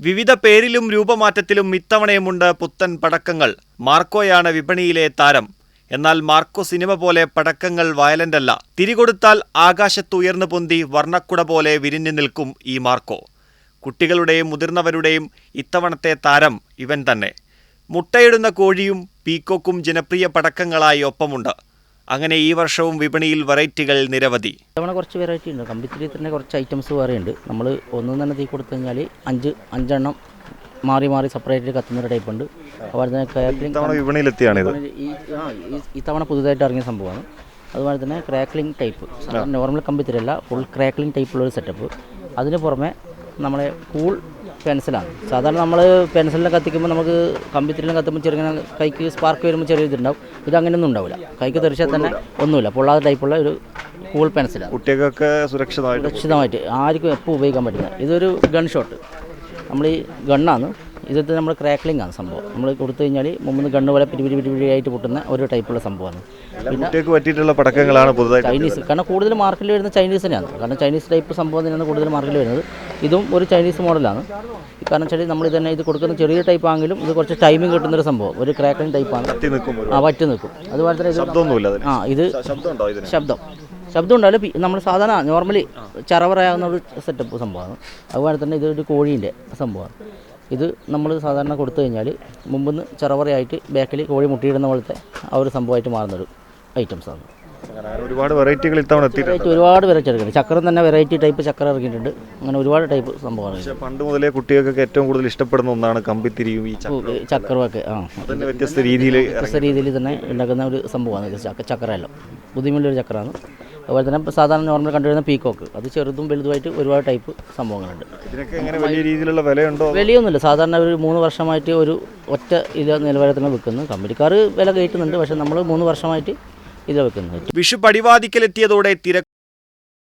വിവിധ പേരിലും രൂപമാറ്റത്തിലും ഇത്തവണയുമുണ്ട് പുത്തൻ പടക്കങ്ങൾ. മാർക്കോയാണ് വിപണിയിലെ താരം. എന്നാൽ മാർക്കോ സിനിമ പോലെ പടക്കങ്ങൾ വയലന്റല്ല. തിരികൊടുത്താൽ ആകാശത്തുയർന്നു പൊന്തി വർണ്ണക്കുട പോലെ വിരിഞ്ഞു നിൽക്കും ഈ മാർക്കോ. കുട്ടികളുടെയും മുതിർന്നവരുടെയും ഇത്തവണത്തെ താരം ഇവൻ തന്നെ. മുട്ടയിടുന്ന കോഴിയും പീക്കോക്കും ജനപ്രിയ പടക്കങ്ങളായി ഒപ്പമുണ്ട്. അങ്ങനെ ഈ വർഷവും വിപണിയിൽ വെറൈറ്റികൾ നിരവധി. ഇത്തവണ കുറച്ച് വെറൈറ്റി ഉണ്ട്. കമ്പിത്തിരി തന്നെ കുറച്ച് ഐറ്റംസ് വേറെയുണ്ട്. നമ്മൾ ഒന്നും തന്നെ തീ കൊടുത്തു കഴിഞ്ഞാൽ അഞ്ചെണ്ണം മാറി മാറി സെപ്പറേറ്റ് കത്തുന്നൊരു ടൈപ്പ് ഉണ്ട്. അതുപോലെ തന്നെ ക്രാക്ലിംഗ് വിപണിയിലെത്തിയാണിത്. ഇത്തവണ പുതുതായിട്ട് ഇറങ്ങിയ സംഭവമാണ്. അതുപോലെ തന്നെ ക്രാക്ലിംഗ് ടൈപ്പ്, നോർമൽ കമ്പിത്തിരിയല്ല, ഫുൾ ക്രാക്ലിംഗ് ടൈപ്പുള്ളൊരു സെറ്റപ്പ്. അതിന് പുറമെ നമ്മളെ കൂൾ പെൻസിലാണ്. സാധാരണ നമ്മൾ പെൻസിലിനെ കത്തിക്കുമ്പോൾ നമുക്ക് കമ്പിത്തിരിലും കത്തുമ്പോൾ ചെറുങ്ങനെ കൈക്ക് സ്പാർക്ക് വരുമ്പോൾ ചെറിയ ഇതുണ്ടാവും. ഇത് അങ്ങനെയൊന്നും ഉണ്ടാവില്ല. കൈക്ക് തെറിച്ചാൽ തന്നെ ഒന്നുമില്ല. പൊള്ളാതെ ടൈപ്പുള്ള ഒരു കൂൾ പെൻസിലാണ്. കുട്ടികൾക്ക് സുരക്ഷിതമായിട്ട് ആർക്കും എപ്പോൾ ഉപയോഗിക്കാൻ പറ്റുന്നത്. ഇതൊരു ഗൺ ഷോട്ട്. നമ്മൾ ഈ ഗണ്ണാണ്. ഇതൊക്കെ നമ്മൾ ക്രാക്ലിംഗ് ആണ് സംഭവം. നമ്മൾ കൊടുത്തു കഴിഞ്ഞാൽ മുമ്പ് ഗണ്ണ് പോലെ പിരിപിരിയായിട്ട് പൊട്ടുന്ന ഒരു ടൈപ്പുള്ള സംഭവമാണ്. പിന്നെ പറ്റിയിട്ടുള്ള പടക്കങ്ങളാണ് പുതുതായി ചൈനീസ്, കാരണം കൂടുതൽ മാർക്കറ്റിൽ വരുന്ന ചൈനീസ് തന്നെയാണ്. കാരണം ചൈനീസ് ടൈപ്പ് സംഭവം തന്നെയാണ് കൂടുതൽ മാർക്കറ്റിൽ വരുന്നത്. ഇതും ഒരു ചൈനീസ് മോഡലാണ്. കാരണം വെച്ചാൽ നമ്മൾ തന്നെ ഇത് കൊടുക്കുന്ന ചെറിയ ടൈപ്പ് ആണെങ്കിലും ഇത് കുറച്ച് ടൈമിങ് കിട്ടുന്നൊരു സംഭവം. ഒരു ക്രാക്ലിംഗ് ടൈപ്പാണ്. വറ്റി നിൽക്കും. അതുപോലെ തന്നെ ഇത് ശബ്ദം ഉണ്ടായാലും നമ്മൾ സാധാരണ നോർമലി ചറവറയാവുന്ന ഒരു സെറ്റപ്പ് സംഭവമാണ്. അതുപോലെ തന്നെ ഇതൊരു കോഴീൻ്റെ സംഭവമാണ്. ഇത് നമ്മൾ സാധാരണ കൊടുത്തു കഴിഞ്ഞാൽ മുമ്പ് ചറവറയായിട്ട് ബാക്കിൽ കോഴി മുട്ടിയിടുന്ന പോലത്തെ ആ ഒരു സംഭവമായിട്ട് മാറുന്നൊരു ഐറ്റംസാണ്. ഒരുപാട് വെറൈറ്റികൾ ഇത്തവണ ഒരുപാട് വെറൈറ്റി ഇറങ്ങിയിട്ടുണ്ട്. ചക്രം തന്നെ വെറൈറ്റി ടൈപ്പ് ചക്രം ഇറങ്ങിയിട്ടുണ്ട്. അങ്ങനെ ഒരുപാട് ടൈപ്പ് സംഭവമാണ്. പണ്ട് മുതലേ കുട്ടികൾക്കൊക്കെ ഏറ്റവും കൂടുതൽ ഇഷ്ടപ്പെടുന്ന ഒന്നാണ് കമ്പിത്തിരിയും ഈ ചക്രമൊക്കെ. വ്യത്യസ്ത രീതിയിൽ തന്നെ ഉണ്ടാക്കുന്ന ഒരു സംഭവമാണ് ചക്രമല്ലോ. ബുദ്ധിമുട്ടുള്ളൊരു ചക്രമാണ്. അതുപോലെ തന്നെ സാധാരണ നോർമൽ കണ്ടുവരുന്ന പീക്കോക്ക്, അത് ചെറുതും വലുതുമായിട്ട് ഒരുപാട് ടൈപ്പ് സംഭവങ്ങളുണ്ട്. വലിയ രീതിയിലുള്ള വിലയുണ്ടോ? വിലയൊന്നുമില്ല. സാധാരണ ഒരു 3 വർഷമായിട്ട് ഒരു ഒറ്റ ഇത് നിലവാരത്തിന് വിൽക്കുന്നു. കമ്പനിക്കാർ വില കയറ്റുന്നുണ്ട്. പക്ഷേ നമ്മൾ 3 വർഷമായിട്ട് ഇത് വെക്കുന്നത്. വിഷു പടിവാതിക്കലെത്തിയതോടെ